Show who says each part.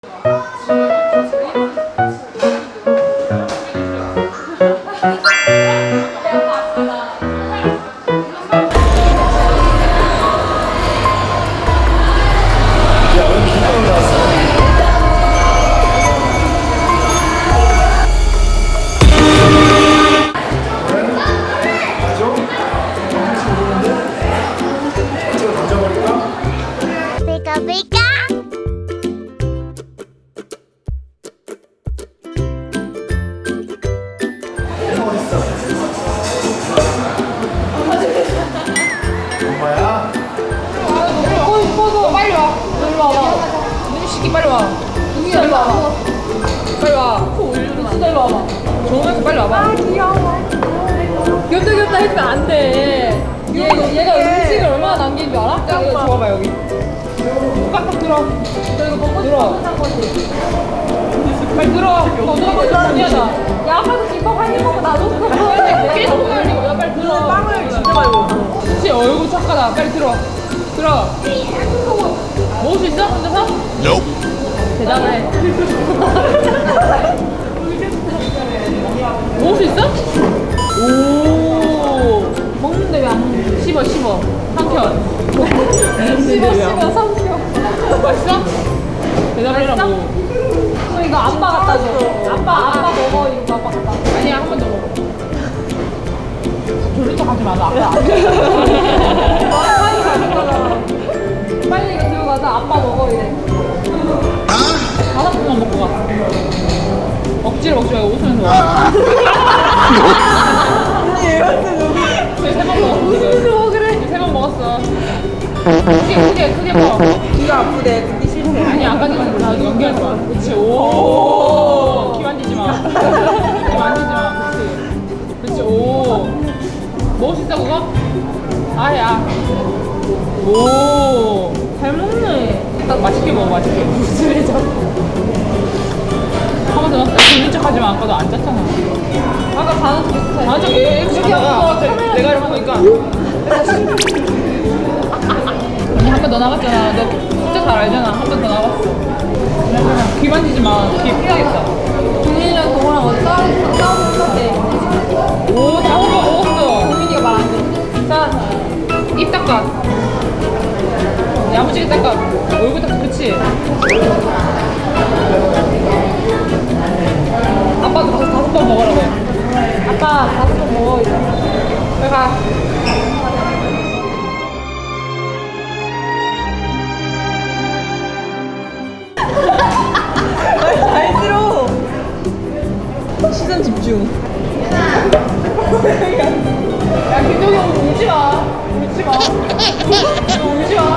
Speaker 1: 빨리 와. 누구야? 빨리 와. 빨리 와. 진짜 일로 와봐. 정우야 빨리 와봐. 아 귀여워. 귀엽다 했으면 안 돼. 얘가 음식을 얼마나 남긴 줄 알아? 야 이거 줘봐 여기. 깍깍 들어. 너 이거 먹고 들어. 빨리 들어. 너 누가 아니야다. 야 아까도 김밥 한 입 먹고 놔줬어. 계속 빨리 야 빨리 들어. 빵을 진짜 많이 먹어. 진짜 얼굴 착하다. 빨리 들어. 들어. 먹을 수 있어? 혼자서?
Speaker 2: Nope.
Speaker 1: 대단해. 먹을 수 있어? 오. 먹는데 왜 안 먹는? 씹어. 삼켜. 씹어 삼켜. 맛있어? 대답해라 뭐. 이거 아빠 갖다 줘. 아빠 먹어. 이거 아빠 갖다. 아니야 한 번 더 먹어. 졸린 척 하지 마. 나 아빠. 빨리 가는 거잖아. 빨리 이거 들고 가서 아빠 먹어 이래. 5분만 먹고 가. 억지로 먹지 말고 5분에서 먹어.
Speaker 3: 아니 얘한테 너무
Speaker 1: 3번 먹었어.
Speaker 3: 무슨 먹으래?
Speaker 1: 3번 먹었어. 크게 먹어.
Speaker 3: 귀가 아프대. 듣기 싫대.
Speaker 1: 아니 안 가지고 나 연기하지 마. 그렇지. 오. 귀 만지지 마. 귀 만지지 마. 그렇지. 오. 먹을 수 있어 그거? 아야. 오. 잘 먹네. 딱 맛있게 먹어 맛있게. 무슨 일 자꾸. 한 번 더 먹자. 졸린 척 하지 마. 아까도 안 짰잖아. 아까 가는 척 했어. 맞아. 이렇게 하고 내가 이러고 보니까. 언니 한 번 더 나갔잖아. 너 진짜 잘 알잖아. 한 번 더 나갔어. 귀 만지지 마. 귀 피하겠다. 종민이랑 동호랑 어디 싸우는 때. 오, 다 먹었어. 종민이가 말 안 돼. 자, 입 닦아. 야무지게 닦아. 얼굴 닦아. 그치? 아빠도 5번 먹으라고. 아빠 5번 먹어 이제. 빨리 가.
Speaker 3: 잘 들어. 시선 집중.
Speaker 1: 야 김동희 형 울지 마. 울지 마. 너 울지 마.